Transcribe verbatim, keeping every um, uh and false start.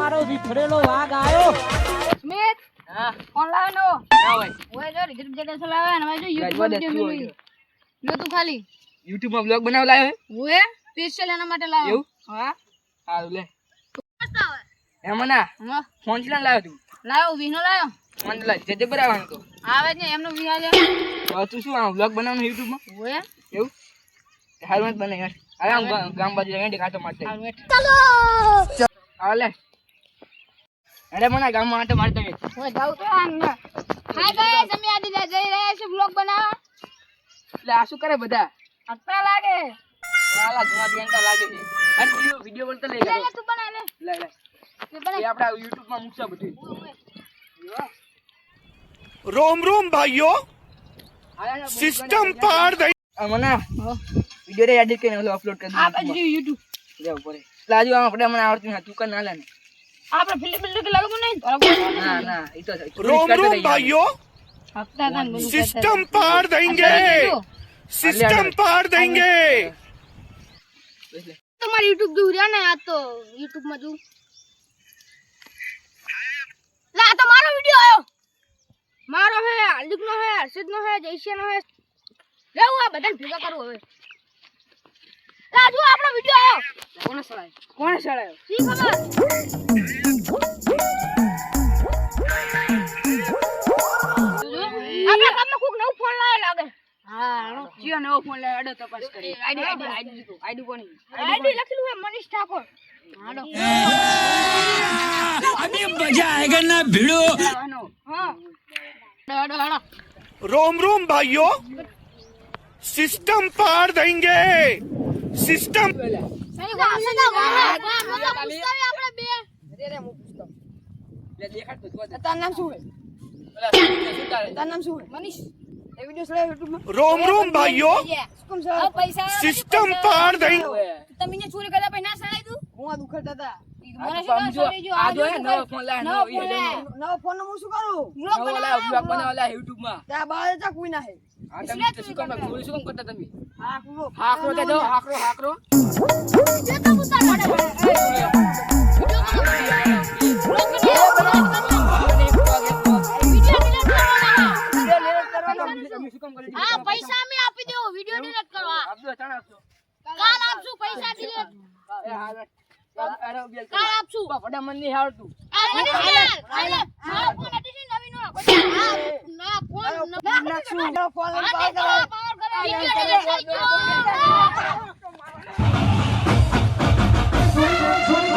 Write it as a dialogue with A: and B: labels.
A: મારો વિફરેલો વાઘ આયો
B: સ્મિત
C: હા
B: ઓનલાઈન નો
C: ના હોય
B: ઓય જો રિઝલ્ટ જગ્યા ચલાવે ને ભાઈ જો YouTube
C: ગાડી
B: વિડિયો
C: વાળી
B: મેલું લો તું ખાલી
C: YouTube માં બ્લોગ બનાવ લાયો
B: ઓય સ્પેશિયલ એના માટે લાવ્યો
C: એવું?
B: હા
C: હારું લે
B: મસ્ત આવે
C: એમાં ના
B: હા
C: ફોન ચલા લાવ્યો તું
B: લાવ્યો વિનો લાવ્યો
C: ફોન લા જજે બરાબર તો
B: આવે છે એમનો વિહાર છે
C: હવે તું શું આ બ્લોગ બનાવવાનો YouTube માં
B: ઓય
C: એવું હારું મત બને યાર હવે આમ ગા- ગામ બાજુ જઈને કાચો મારતે
B: ચાલો
C: હાલે અરે મને ગામ માં આટો મારતો ગયો
B: ઓય જાવ તો આમ હાય ગાઈસ અમે આદી જઈ રહ્યા છે બ્લોગ બનાવવા
C: એટલે આ શું કરે બધા
B: અત્યારે લાગે
C: વાલા જુમા દિયાંકા લાગે છે અરે વિડિયો વિડિયો બોલતો લઈ
B: લે
C: ગયો
B: લે તું બના લે
C: લે લે
B: તે બના
C: એ આપડા YouTube માં મૂકશે બધું
D: रोम रोम भाइयों सिस्टम पार दे
C: મને વિડિયો રે એડિટ કરીને ઓલો અપલોડ કરી
B: આ બાજુ YouTube
C: દે ઉપર લાજુ આમ આપણે મને આવડતું નથી તું કર ના લે ને
B: આપણે ફિલ્મ ફિલ્મ કે લાગુ નહીં
C: ના ના ઈ તો
D: रोम रोम भाइयों
B: હપ્તા તન બધું
D: सिस्टम पार देंगे सिस्टम पार देंगे
B: તમારી YouTube જોઉં રહ્યા ને આ તો YouTube માં જોઉં લા આ તો મારો વિડિયો આયો મારો હે હાર્દિક નો હે હર્ષિત નો હે જયશ્યા નો હે લેવું આ બધાને ભેગા કરું હવે લા જો આપણો વિડિયો આયો
C: કોને સળાય કોને સળાયો
B: શી ખબર આપણા ગામમાં કોક નવો ફોન લાવ્યો લાગે હા
C: જીઓ નવો ફોન લાવ્યો અડો તપાસ કરી
B: આઈડી આઈડી આઈડી
C: આઈડી કોની
B: આઈડી લખેલું હે મનીષ ઠાકોર હાલો
A: અભી મજા આયેગા ના ભીડો
C: આનો
B: હા હાડો હાડો
D: रोम रोम भाइयों सिस्टम पार देंगे सिस्टम
B: નહીં વાસે ના વાસે મજા પુસ્તક આપણે બે
C: રે રે હું પૂછતો લે દેખાડ તો જોવા દે
B: તારું નામ શું હે
C: ઓલા શું તારે
B: તારું નામ શું હે મનીષ એ વિડિયો સળાય YouTube માં
D: रोम रोम भाइयों
B: સુકમ સળાય પૈસા
D: सिस्टम पार देंगे
B: તમે ને ચોરી કરતા પૈ ના સળાય તું હું આ દુખડતા હતા
C: આ તો સમજો આ જો હે નવો ફોન લાવ્યો નવો ઈ
B: નવો ફોન નો હું શું કરું
C: નવો લાવ્યો બ્લોગ બનાવલા YouTube માં
B: ત્યાં બહાર જા કોઈ ના હે
C: આ તમે તો શું કામ ચોરી શું કામ કરતા તમે
B: હા કુરો
C: હાકરો દે દો હાકરો હાકરો
B: જે તો ઉતાર પડે હા પૈસા અમે આપી દેવો વિડિયો ડિલીટ કરવા
C: આપજો ચાણ આપજો
B: કાલ આપશું પૈસા ડિલીટ
C: એ હાલ અરે બેલ
B: કાલ આપશું
C: ફડા મન ની આવડતું
B: આ મને હાલ હાલ મારો ફોન હતી છે નવી નો ના ફોન નાખશું ફોન પાવર કરે પાવર કરે વિડિયો ડિલીટ થઈ ગયો